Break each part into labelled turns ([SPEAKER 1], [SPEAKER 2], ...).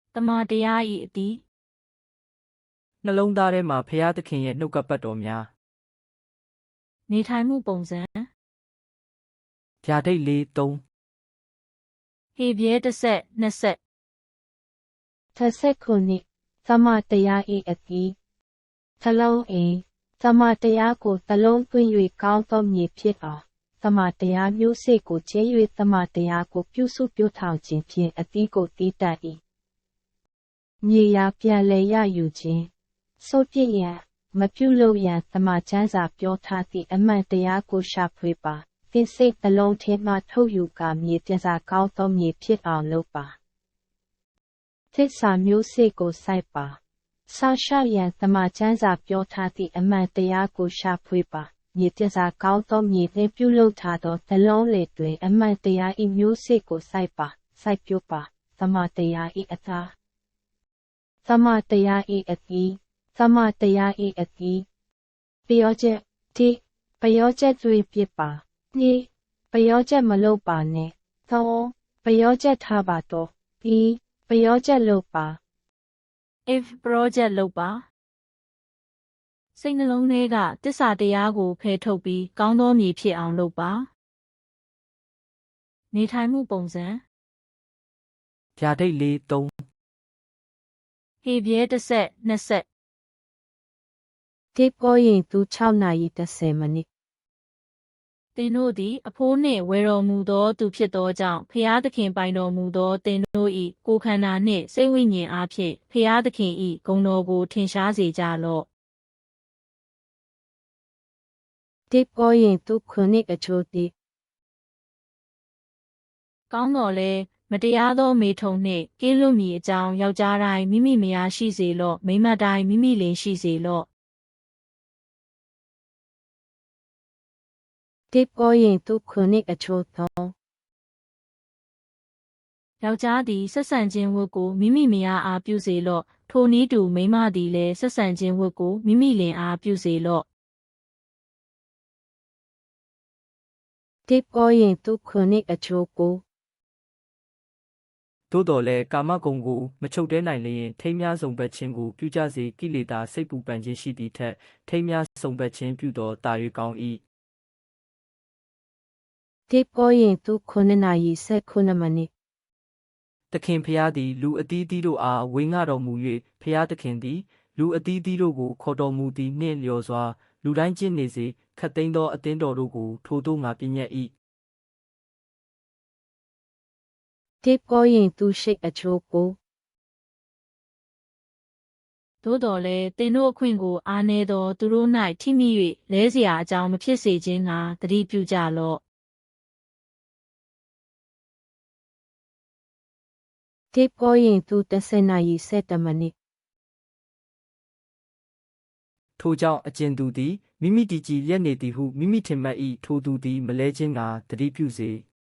[SPEAKER 1] တမန်တရား၏အတီး
[SPEAKER 2] နှလုံးသားထဲမှာဖရာသခင်ရဲ့နှုတ်ကပတ်တော်များ
[SPEAKER 1] နေထိုင်မှုပုံစံ
[SPEAKER 2] ဗျာဒိတ်လေး3
[SPEAKER 1] ဟေပြဲတစ်ဆက်နှစ်ဆက်
[SPEAKER 3] ခုနှစ်သမတရား၏အတီးသလုံးအိသမတရားကိုသလုံးသွင်း၍ကောင်းသောမြေဖြစ်အောင်သမတရားမျိုးစေ့ကိုကျဲ၍သမတရားကိုပြုစုပြုထောင်ခြင်းဖြင့်အတီးကိုတီးတတ်၏မြေယာပြန်လည်ရယူခြင်းစိုးပြည့်ရန်မပြုလုပ်ရန်သမချမ်းစာပြောထားသည့်အမှန်တရားကိုရှာဖွေပါသင်စိတ်နှလုံးထဲမှထုတ်ယူကာမြေပြန်စာကောင်းသောမြေဖြစ်အောင်လုပ်ပါသစ္စာမျိုးစေ့ကိုစိုက်ပါဆောက်ရှောက်ရန်သမချမ်းစာပြောထားသည့်အမှန်တရားကိုရှာဖွေပါမြေပြန်စာကောင်းသောမြေနှင့်ပြုလုပ်ထားသောနှလုံးလေတွင်အမှန်တရား၏မျိုးစေ့ကိုစိုက်ပါစိုက်ပျိုးပါသမတရား၏အသားသမတရား၏အတီးသမတရား၏အတီးပျောချက်တိပျောချက်သွေးပြစ်ပါနိပျောချက်မလုပ်ပါနဲ့သုံးပျောချက်ထားပါတော့ပြီးပျောချက်လုပ်ပါ
[SPEAKER 1] if project လုပ်ပါစိတ်နှလုံးထဲကတစ္ဆာတရားကိုဖယ်ထုတ်ပြီးကောင်းသောမြေဖြစ်အောင်လုပ်ပါနေထိုင်မှုပုံစံ
[SPEAKER 2] ဗျာဒိတ်လေး3
[SPEAKER 1] ဟေပြဲတစ်ဆက်နှစ်ဆက်
[SPEAKER 3] တိပေါ်ရင်သူ6နာရီ30မိနစ်
[SPEAKER 1] သင်တို့သည်အဖိုးနှင့်ဝယ်တော်မူသောသူဖြစ်သောကြောင့်ဖျားသခင်ပိုင်တော်မူသောသင်တို့၏ကိုယ်ခန္ဓာနှင့်စိတ်ဝိညာဉ်အားဖြင့်ဖျားသခင်၏ဂုဏ်တော်ကိုထင်ရှားစေကြလော့
[SPEAKER 3] တိပေါ်ရင်သူခုနှစ်အချို့တိ
[SPEAKER 1] ကောင်းတော်လဲမတရားသောမေထုံနှင့်ကင်းလွတ်မည်အကြောင်းယောက်ျားတိုင်းမိမိမယားရှိစေလော့မိန်းမတိုင်းမိမိလင်ရှိစေလော့
[SPEAKER 3] တိပေါ်ရင်သူခုနှစ်အချို့သော
[SPEAKER 1] ယောက်ျားသည်ဆက်ဆံခြင်းဝတ်ကိုမိမိမယားအားပြုစေလော့ထိုနည်းတူမိန်းမသည်လည်းဆက်ဆံခြင်းဝတ်ကိုမိမိလင်အားပြုစေလော့
[SPEAKER 3] တိပေါ်ရင်သူခုနှစ်အချို့ကို
[SPEAKER 2] သို့တော်လည်းကာမဂုဏ်ကိုမချုပ်တဲနိုင်လျင်ထိမ်းများစုံဘက်ခြင်းကိုပြုကြစေကိလေသာစိတ်ပူပန်ခြင်းရှိသည့်ထက်ထိမ်းများစုံဘက်ခြင်းပြုသောတာ၍ကောင်း၏
[SPEAKER 3] တိပေါ်ရင်သူခုနှစ်နာရီ19မိနစ်
[SPEAKER 2] သခင်ဖျားသည်လူအသီးသီးတို့အားဝေငှတော်မူ၍ဖျားသခင်သည်လူအသီးသီးတို့ကိုခေါ်တော်မူသည်နှင့်လျော်စွာလူတိုင်းကျင့်နေစေခတ်သိမ်းသောအသင်းတော်တို့ကိုထိုသို့ငါပြည့်ညတ်၏
[SPEAKER 3] တိပေါ်ရင်သူရှိအချို့ကို
[SPEAKER 1] သို့တော်လည်းသင်တို့အခွင့်ကိုအားနည်းသောသူတို့၌ထိမိ၍လဲเสียအကြောင်းမဖြစ်စေခြင်းငှာသတိပြုကြလော့
[SPEAKER 3] တိပေါ်ရင်သူ10နာရီ7မိနစ်
[SPEAKER 2] ထိုကြောင့်အကျဉ်သူသည်မိမိတည်ကြည်ရက်နေသည်ဟုမိမိထင်မှတ်၏ထိုသူသည်မလဲခြင်းကသတိပြုစေ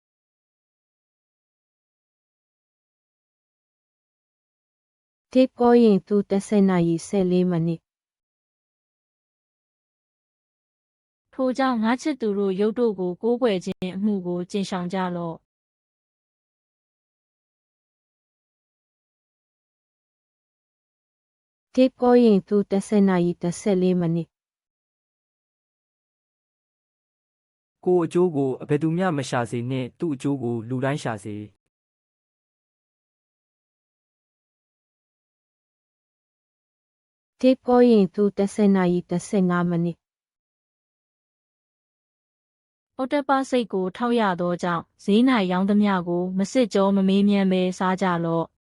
[SPEAKER 3] တိပေါ်ရင်သူ10နာရီ14မိနစ်
[SPEAKER 1] ထိုကြောင့်ငါချစ်သူတို့ရုပ်တို့ကိုကိုးကွယ်ခြင်းအမှုကိုကျင့်ဆောင်ကြလော့
[SPEAKER 3] တိပေါ်ရင်သူ10နာရီ14မိနစ်
[SPEAKER 2] ကိုယ်အကျိုးကိုအဘယ်သူမျှမရှာစေနှင့်သူ့အကျိုးကိုလူတိုင်းရှာစေ
[SPEAKER 3] တိပေါ်ရင်သူ10နာရီ15မိနစ်
[SPEAKER 1] ဩတ္တပစိတ်ကိုထောက်ရသောကြောင့်ဈေး၌ရောင်းသမျှကိုမစစ်ကြောမမေးမြန်းဘဲစားကြလော့